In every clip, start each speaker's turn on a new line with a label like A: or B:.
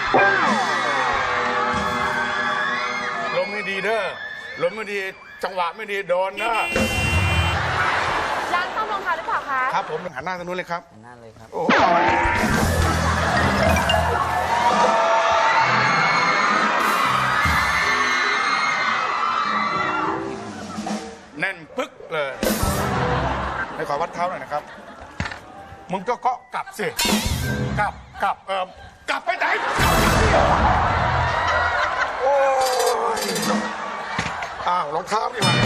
A: ลมไม่ดีเด้อลมไม่ดีจังหวะไม่ดีโดนนะ
B: ร้านซ่อมรองเท้าหรือเปล่าคะ
A: ครับผมหันหน้าทางนู้นเลยครับ
C: นั่นเลยครับ
A: โอ้แน่นปึ๊กเลยให้ขอวัดเท้าหน่อยนะครับมึงก็เกาะกลับสิกลับกลับไปไหนโอ้ยอ้าวรองเท้านี่มา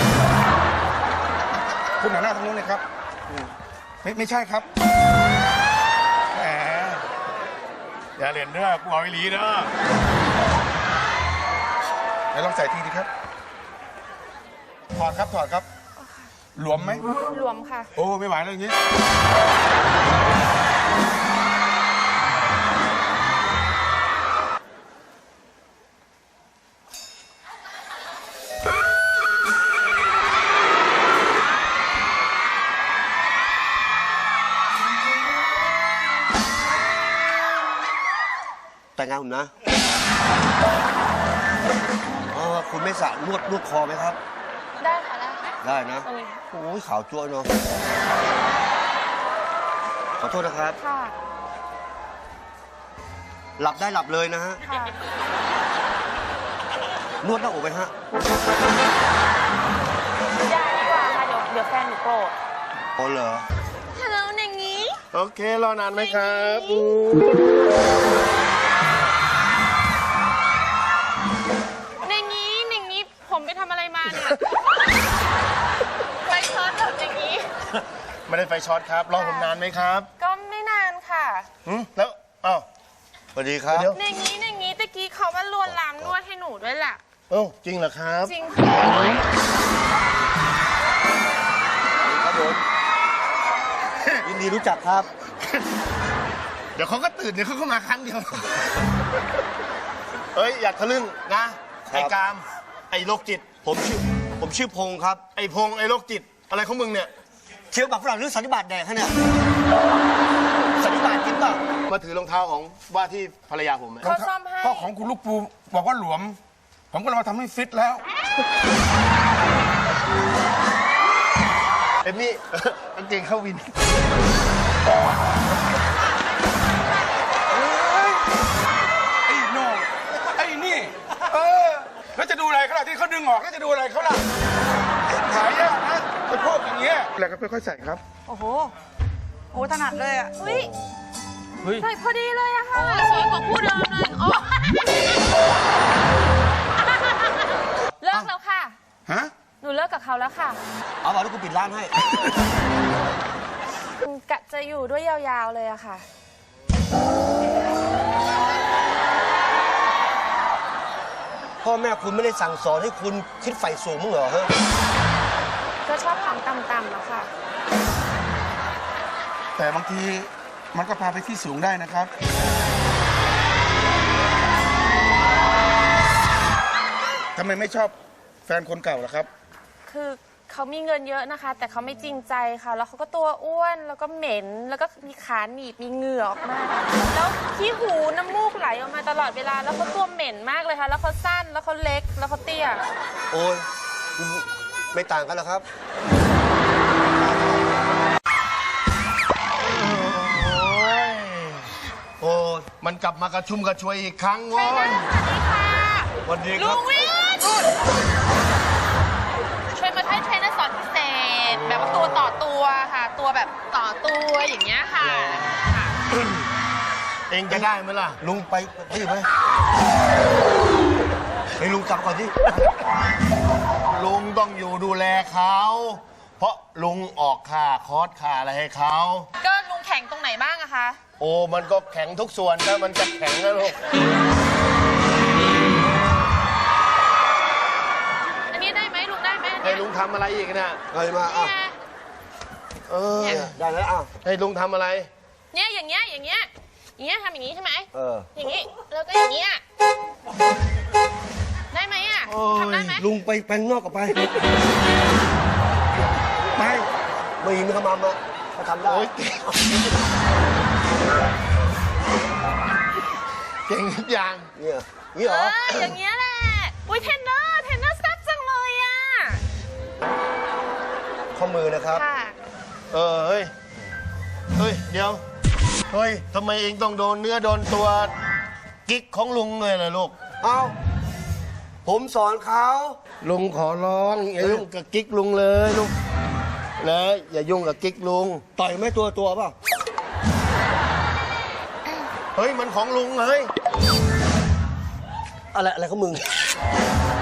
A: คุณหันหน้าทางนู้นเลยครับไม่ใช่ครับแหมอย่าเล่นเด้อกูเอาไอ้ลีเด้อไหนลองใส่ทีดีครับถอดครับหลวมไหม
B: รวมค่ะ
A: โอ้ไม่ไหวแล้วอย่างนี้
D: แต่งงานผมนะคุณไม่สระนวดคอไหมครับ
B: ได้ค่ะได้ค่ะ
D: ได้นะ
B: ตรงนี้
D: โอ้ยขาวจั่วเนาะ ขอโทษนะครับ
B: ค่ะ
D: หลับได้หลับเลยนะฮะ
B: ค่ะ
D: นวดหน้าอกไหมฮะ
B: อย่าดีกว่าค่ะ เดี๋ยวแฟนหนูโกรธ
D: โอ้เหรอ
B: ฮัลโหลอย่างนี้
A: โอเครอนานไหมครับ
B: อย่างนี้ผมไปทำอะไรมาเนี่ย ไปช็อตแบบอย่างนี้
A: ไม่ได้ไฟช็อตครับรอผมนานไหมครับ
B: ก็ไม่นานค่ะ
A: แล้วอ้าว
D: สวัสดีครับ
B: อย่างนี้ตะกี้เขาว่าลวนลามนวดให้หนูด้วยแหละ
A: โอ้จริงเหรอครับ
B: จริงค่ะ
D: ครับผม ยินดีรู้จักครับ
A: เดี๋ยวเขาก็ตื่นเดี๋ยวเขาก็มาครั้งเดียวเฮ้ยอยากทะลึ่งนะไอ้กามไอ้โรคจิต
D: ผมชื่อพงษ์ครับ
A: ไอ้พงษ์ไอ้โรคจิตอะไรของมึงเนี่ย
D: เคี้ยวหมากฝรั่งหรือสันนิบาตแดกฮะเนี่ย สันนิบาตกินเปล่า
A: มาถือรองเท้าของว่าที่ภรรยาผม
B: เขาซ่อมให้
A: ก็ของคุณลูกปูบอกว่าหลวม ผมก็เลยมาทำให้ฟิตแล้วเอ็มมี่กางเกงเข้าวินไอ้โน่ไอ้นี่แล้วจะดูอะไรเขาล่ะที่เขาดึงออกแล้วจะดูอะไรเขาล่ะหายากนะไอ้พวกอย่างเงี้ยแล้วก็ค่อยๆใส่ครับ
E: โอ้โห โอ้ถนัดเลยอ่ะ
B: เฮ้ยใส่พอดีเลยอะค่ะสวยกว่าคู่เดิมเลยโอ้เลิกแล้วค่ะ
A: ฮะ
B: หนูเลิกกับเขาแล้วค่ะ
D: เอาบอกแล้วกูปิดร้านให้
B: กะจะอยู่ด้วยยาวๆเลยอะค่ะ
D: พ่อแม่คุณไม่ได้สั่งสอนให้คุณคิดไฟสูงมั้งเหรอฮะ
B: ก็ชอบของต่ำๆอะค่ะ
A: แต่บางทีมันก็พาไปที่สูงได้นะครับทำไมไม่ชอบแฟนคนเก่าล่ะครับ
B: คือเขามีเงินเยอะนะคะ แต่เขาไม่จริงใจค่ะ แล้วเขาก็ตัวอ้วนแล้วก็เหม็น แล้วก็มีขาหนีบมีเหงื่อออกมา แล้วขี้หูน้ำมูกไหลออกมาตลอดเวลา แล้วเขาตัวเหม็นมากเลยค่ะ แล้วเขาสั้นแล้วเขาเล็กแล้วเขาเตี้ย
D: โอ้ยไม่ต่างกันหรอกครับ
A: โอ้มันกลับมากระชุ่มกระชวยอีกครั้ง
B: ใช่
A: วะ
B: นะสวัสดีค่ะ
D: วันนี้ค
B: ลุ
D: รับ
B: งวิทย์ช่วยมาให้เทรนเนอร์สอนพิเศษ แบบว่าตัวต่อตัวค่ะ ตัวแบบต่อตัวอย่างเงี้ยค่ะ
A: เองจะได้ไหมล่ะ
D: ลุงไปที่ไหมไปลุงกลับก่อนที่
A: ลุงต้องอยู่ดูแลเขา เพราะลุงออกค่าคอร์สค่าอะไรให้เขา
B: ก็ลุงแข่งตรงไหนบ้างอะคะ
A: โอ้มันก็แข็งทุกส่วนถ้ามันจะแข็งนะลูก
B: อันนี้ได้ไหมลุงได้ไหม
A: ให้ลุงทำอะไรอีกเนี่ย
D: เฮ้ยมาอ่ะ
B: เนี่ย
A: เออ
D: ได้แล้วอ่ะ
A: ให้ลุงทำอะไร
B: เนี่ยอย่างเงี้ยอย่างเงี้ยอย่างเงี้ยทำอย่างงี้ใช่ไหม
D: เออ
B: อย่างงี้แล้วก็อย่างเงี้ยได้ไหมอะทำได้ไหม
D: ลุงไปแปลงนอกกับไป
A: ไป
D: ไม่ยินเขามาเขาทำได้
A: โอ้ย
C: เก่งทุกอย่าง
D: เนี่ยนี่เหรอ
B: อย่างเงี้ยแหละ อุ้ยเทรนเนอร์แซ่บจังเลยอ่ะ
D: ข้อมือนะครับ
B: ค่ะ
C: เฮ้ย เดี๋ยว เฮ้ยทำไมเองต้องโดนเนื้อโดนตัวกิ๊กของลุงเลยล่ะลูก
D: เอาผมสอนเขา
C: ลุงขอร้องอย่ายุ่งกับกิ๊กลุงเลยลูกนะอย่ายุ่งกับกิ๊กลุง
D: ต่อยไม่ตัวเปล่า
C: เฮ้ยมันของลุงเฮ้ย
D: อะไรของมึง